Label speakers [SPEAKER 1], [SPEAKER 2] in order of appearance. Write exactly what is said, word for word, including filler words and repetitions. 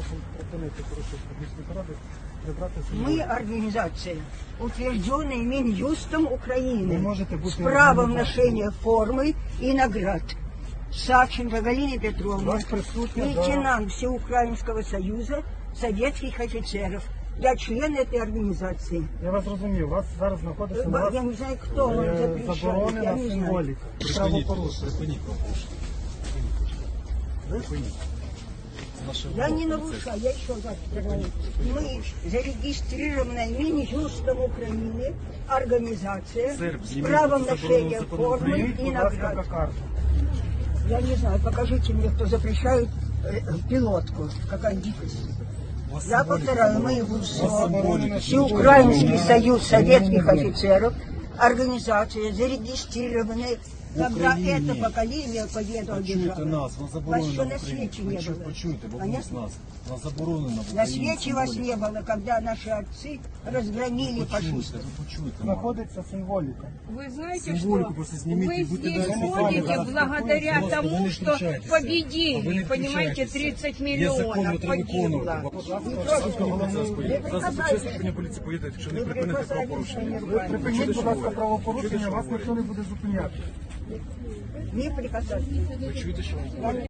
[SPEAKER 1] припинити порушити міської ради, прибрати
[SPEAKER 2] Мы
[SPEAKER 1] символіку.
[SPEAKER 2] организация, утвержденная Минюстом
[SPEAKER 1] Ви
[SPEAKER 2] Украины,
[SPEAKER 1] можете бути
[SPEAKER 2] с правом
[SPEAKER 1] організацією.
[SPEAKER 2] ношения формы и наград. Савченко Галина Петровна,
[SPEAKER 1] Вас присутня,
[SPEAKER 2] лейтенант Всеукраинского союза советских офицеров. Я член этой организации.
[SPEAKER 1] Я вас розумію, вас зараз знаходиться на вас
[SPEAKER 2] Я не знаю, кто вам
[SPEAKER 1] е,
[SPEAKER 2] запрещает, я
[SPEAKER 1] заборонена
[SPEAKER 2] не знаю.
[SPEAKER 1] символіка. Правопорушення.
[SPEAKER 2] Я не нарушаю, я еще раз говорю. Мы зарегистрированная Минюстом Украины организация с правом ношения формы
[SPEAKER 1] Прийміть,
[SPEAKER 2] и
[SPEAKER 1] будь ласка,
[SPEAKER 2] наград.
[SPEAKER 1] кокарду.
[SPEAKER 2] Я не знаю, покажите мне, кто запрещает э, пилотку. Какая дикость. Я повторяю, мы ВУСО, Всеукраинский союз советских офицеров, организация, зарегистрированная, когда это поколение победу
[SPEAKER 3] Почуйте
[SPEAKER 2] одержало.
[SPEAKER 3] нас, вас
[SPEAKER 2] Вас
[SPEAKER 3] заборонено
[SPEAKER 2] еще
[SPEAKER 3] в
[SPEAKER 2] на
[SPEAKER 3] Україні.
[SPEAKER 2] свете не
[SPEAKER 3] Почу-
[SPEAKER 2] было.
[SPEAKER 3] Почуйте, бабусь
[SPEAKER 2] Понятно?
[SPEAKER 3] нас. Вас заборонено в
[SPEAKER 2] На
[SPEAKER 3] Україні
[SPEAKER 2] свете вас
[SPEAKER 3] символіка.
[SPEAKER 2] не было, когда наши отцы разгромили
[SPEAKER 3] Почуйте,
[SPEAKER 2] фашистов.
[SPEAKER 3] ви почуйте. мама.
[SPEAKER 1] Знаходиться символіка.
[SPEAKER 4] Вы знаете,
[SPEAKER 3] Символику
[SPEAKER 4] что
[SPEAKER 3] просто снимите,
[SPEAKER 4] вы
[SPEAKER 3] будьте
[SPEAKER 4] здесь
[SPEAKER 3] добры,
[SPEAKER 4] ходите
[SPEAKER 3] пожалуйста.
[SPEAKER 4] благодаря
[SPEAKER 3] Пожалуйста, вы
[SPEAKER 4] тому,
[SPEAKER 3] не
[SPEAKER 4] что
[SPEAKER 3] включайтесь. Вы
[SPEAKER 4] победили,
[SPEAKER 3] не
[SPEAKER 4] понимаете,
[SPEAKER 3] включайтесь.
[SPEAKER 4] тридцать
[SPEAKER 3] Є закон,
[SPEAKER 4] миллионов
[SPEAKER 3] ви треба
[SPEAKER 4] погибло.
[SPEAKER 3] виконувати. Зараз управління поліції поїде, якщо не припинити правопорушення.
[SPEAKER 1] Припиніть, будь ласка, правопорушення, вас ніхто не буде зупиняти.
[SPEAKER 2] Не прикасайтесь.
[SPEAKER 3] Ви чуєте, що вам говорять?